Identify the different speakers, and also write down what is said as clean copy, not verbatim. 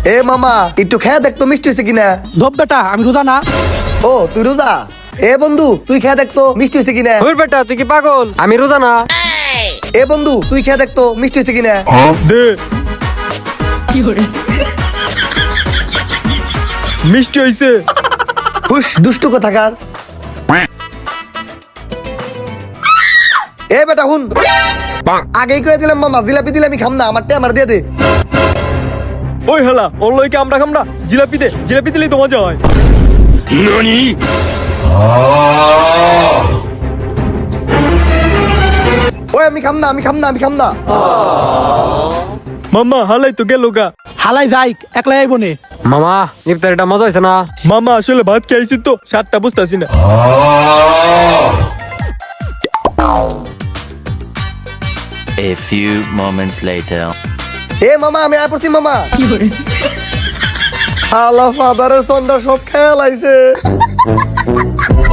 Speaker 1: এ মামা একটু খেয়ে দেখ তো মিষ্টি হয়েছে কিনা।
Speaker 2: ধপ বেটা, আমি রোজা না।
Speaker 1: ও তুই রোজা? এ বন্ধু তুই খেয়ে দেখ তো মিষ্টি হয়েছে কিনা।
Speaker 3: ওই বেটা তুই কি পাগল? আমি রোজা না।
Speaker 1: এ বন্ধু তুই খেয়ে দেখ তো মিষ্টি হয়েছে কিনা।
Speaker 3: দে মিষ্টি হইছে।
Speaker 1: হুশ দুষ্টু কোথাকার। এ বেটা হুন, আগেই করে দিলাম মামা, জিলাপি দিলে আমি খাম না, আমারটা আমার দিয়ে দে।
Speaker 3: ওই হেলা ওর লইকে আমরা খামরা। জিলাপি দে, জিলাপি দিলেই তো মজা হয়।
Speaker 1: ওই আমি খাম না, আমি খাম না, আমি খাম না।
Speaker 3: মামা হালাই তো গেল গা।
Speaker 2: হালাই যাই, একলাই আইব নে।
Speaker 3: মামা ইফতারিটা মজা হয়েছে না? মামা আসলে ভাত খাইছি তো সাতটা বুঝতেছি না।
Speaker 4: A few moments later.
Speaker 1: এ মামা আমি আয় পড়ছি মামা। হালা ফাদারের সন্ধ্যা সব খেয়াল আইছে।